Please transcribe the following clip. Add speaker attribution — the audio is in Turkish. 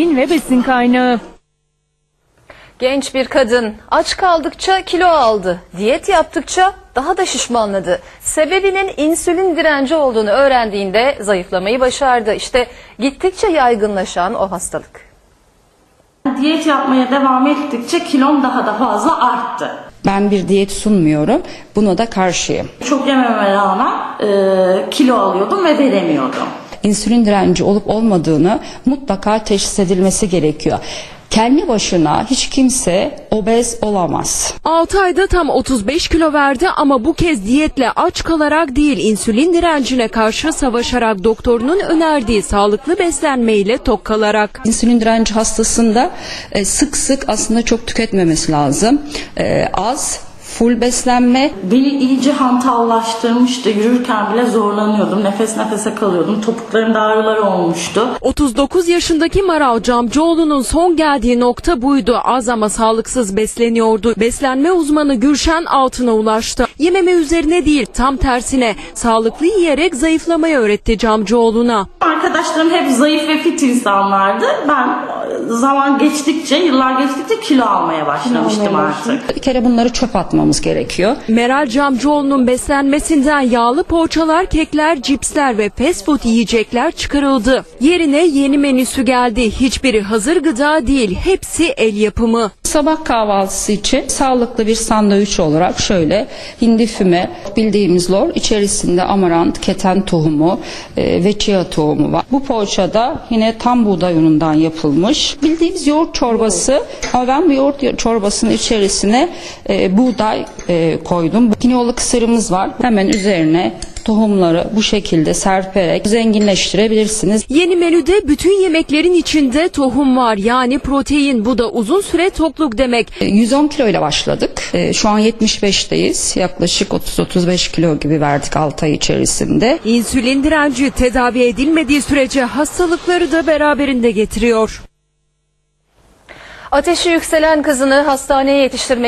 Speaker 1: protein ve besin kaynağı.
Speaker 2: Genç bir kadın aç kaldıkça kilo aldı, diyet yaptıkça daha da şişmanladı. Sebebinin insülin direnci olduğunu öğrendiğinde zayıflamayı başardı. İşte gittikçe yaygınlaşan o hastalık.
Speaker 3: Diyet yapmaya devam ettikçe kilom daha da fazla arttı.
Speaker 4: Ben bir diyet sunmuyorum, buna da karşıyım.
Speaker 3: Çok yememe rağmen kilo alıyordum ve veremiyordum.
Speaker 4: İnsülin direnci olup olmadığını mutlaka teşhis edilmesi gerekiyor. Kendi başına hiç kimse obez olamaz.
Speaker 5: 6 ayda tam 35 kilo verdi ama bu kez diyetle aç kalarak değil, insülin direncine karşı savaşarak, doktorunun önerdiği sağlıklı beslenmeyle tok kalarak.
Speaker 4: İnsülin direnci hastasında sık sık aslında çok tüketmemesi lazım. Az, full beslenme.
Speaker 3: Beni iyice hantallaştırmıştı. Yürürken bile zorlanıyordum. Nefes nefese kalıyordum. Topuklarımda ağrılar olmuştu.
Speaker 5: 39 yaşındaki Maral Camcıoğlu'nun son geldiği nokta buydu. Az ama sağlıksız besleniyordu. Beslenme uzmanı Gülşen Altın'a ulaştı. Yememe üzerine değil, tam tersine sağlıklı yiyerek zayıflamayı öğretti Camcıoğlu'na.
Speaker 3: Arkadaşlarım hep zayıf ve fit insanlardı. Ben zaman geçtikçe, yıllar geçtikçe kilo almaya başlamıştım artık.
Speaker 4: Bir kere bunları çöp atmamız gerekiyor.
Speaker 5: Meral Camcıoğlu'nun beslenmesinden yağlı poğaçalar, kekler, cipsler ve fast food yiyecekler çıkarıldı. Yerine yeni menüsü geldi. Hiçbiri hazır gıda değil, hepsi el yapımı.
Speaker 4: Sabah kahvaltısı için sağlıklı bir sandviç olarak şöyle hindi füme bildiğimiz lor, içerisinde amarant, keten tohumu ve chia tohumu var. Bu poğaçada yine tam buğday unundan yapılmış. Bildiğimiz yoğurt çorbası ama ben bu yoğurt çorbasının içerisine buğday koydum. Kinoalı kısırımız var. Hemen üzerine tohumları bu şekilde serperek zenginleştirebilirsiniz.
Speaker 5: Yeni menüde bütün yemeklerin içinde tohum var, yani protein. Bu da uzun süre tokluk demek.
Speaker 4: 110 kilo ile başladık. Şu an 75'teyiz. Yaklaşık 30-35 kilo gibi verdik 6 ay içerisinde.
Speaker 5: İnsülin direnci tedavi edilmediği sürece hastalıkları da beraberinde getiriyor.
Speaker 2: Ateşi yükselen kızını hastaneye yetiştirmek